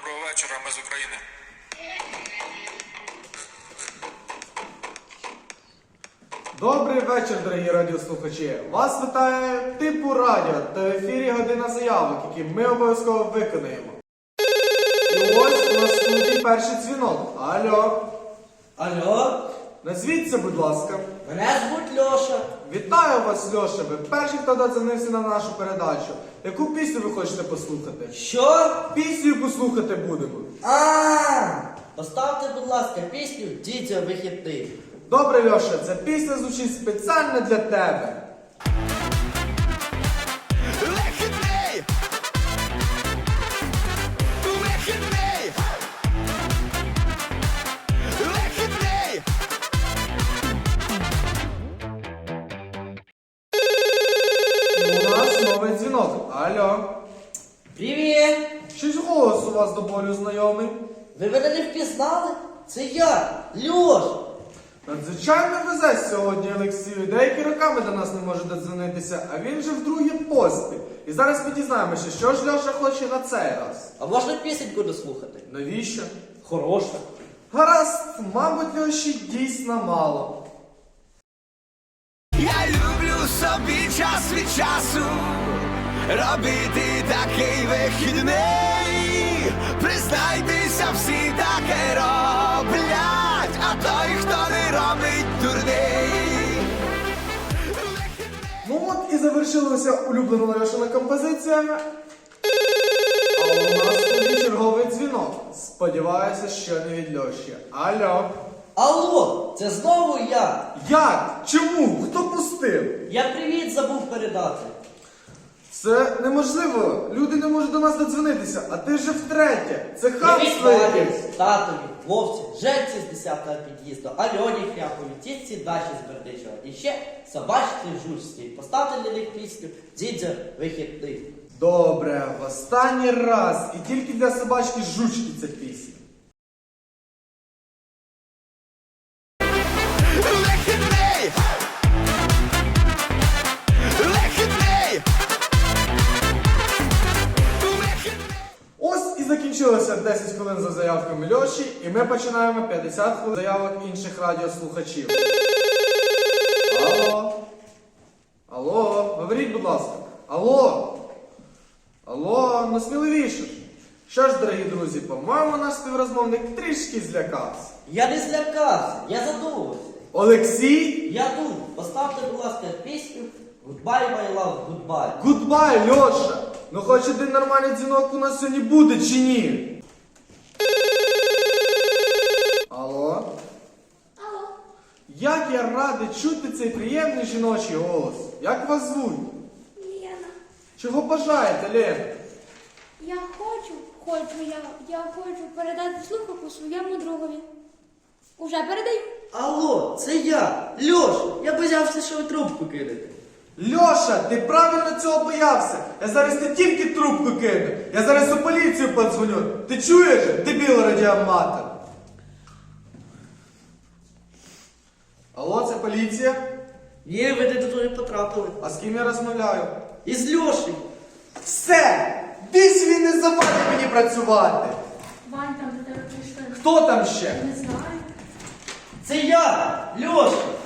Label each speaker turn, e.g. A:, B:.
A: Доброго вечора, ми з України.
B: Добрий вечір, дорогі радіослухачі! Вас вітає Типу Радіо та в ефірі година заявок, які ми обов'язково виконаємо. І ось на студії перший дзвінок. Алло.
C: Алло,
B: Назвіться, будь ласка.
C: мене звуть Льоша.
B: Вітаю вас, Льоша. Ви перший, хто додзвонився на нашу передачу. Яку пісню ви хочете послухати?
C: Що?
B: Пісню послухати будемо.
C: Поставте, будь ласка, пісню «Дідьо вихідний».
B: Добре, Льоша, ця пісня звучить спеціально для тебе.
D: Вихідний! Вихідний! Вихідний!
B: У нас новий дзвінок. Алло.
C: Привіт!
B: Щось голос у вас до болю знайомий.
C: Ви мене не впізнали? Це я, Льош.
B: Надзвичайно везе сьогодні Олексію. Деякі роками до нас не може додзвонитися, а він же вдруге поспіль. І зараз ми дізнаємося, що ж Льоша хоче на цей раз.
C: А можна пісеньку дослухати?
B: Навіщо?
C: Хороша.
B: Гаразд, мабуть, Льоші дійсно мало.
D: Я люблю собі час від часу робити такий вихідний. Признайтеся, всі таке роблять, а той, хто не робить, дурний.
B: Ну от і завершилася улюблена Льошина композиція. А у нас тоді черговий дзвінок. Сподіваюся, що не від Льоші. Алло.
C: Алло, це знову я.
B: Як? Чому? Хто пустив?
C: Я привіт забув передати.
B: Це неможливо. Люди не можуть до нас додзвонитися, а ти вже втретє. Це хамство
C: Привіт
B: якесь.
C: мамі, татові, Вовці, Женці з 10-го під'їзду, Альоні Хряпові, тітці Даші з Бердичева. І ще собачці жучці. Поставте для них пісню «Дідьо вихідний».
B: Добре, в останній раз. І тільки для собачки жучки ця пісня.
D: Вихідний! Вихідний!
B: Ось і закінчилося 10 хвилин за заявками Льоші, і ми починаємо 50 хвилин заявок інших радіослухачів. Алло? Алло? Говоріть, будь ласка. Алло? Алло? Ну сміливіше. Що ж, дорогі друзі, по-моєму, наш співрозмовник трішки злякався.
C: Я не злякався, я задумався.
B: Олексій?
C: Я тут. Поставте, будь ласка, пісню «Goodbye, my love, goodbye».
B: Гудбай, Льоша! Ну хоч один нормальний дзвінок у нас сьогодні буде чи ні? Алло?
E: Алло,
B: Як я радий чути цей приємний жіночий голос. Як вас звуть?
E: Лена,
B: Чого бажаєте, Лена?
E: я хочу передати слухавку своєму другові. Уже передаю.
C: Алло, це я, Льош. Я боявся, що ви трубку кинете.
B: Льоша, ти правильно цього боявся. Я зараз не тільки трубку кину, я зараз у поліцію подзвоню. Ти чуєш, дебіл радіоаматор? Алло, це поліція?
C: Ні, ви не туди потрапили.
B: А з ким я розмовляю?
C: Із Льошею.
B: Все! Більше він не завадить мені працювати.
E: Вань, там до тебе прийшли.
B: Хто там ще?
E: Не знаю.
C: Це я, Льоша.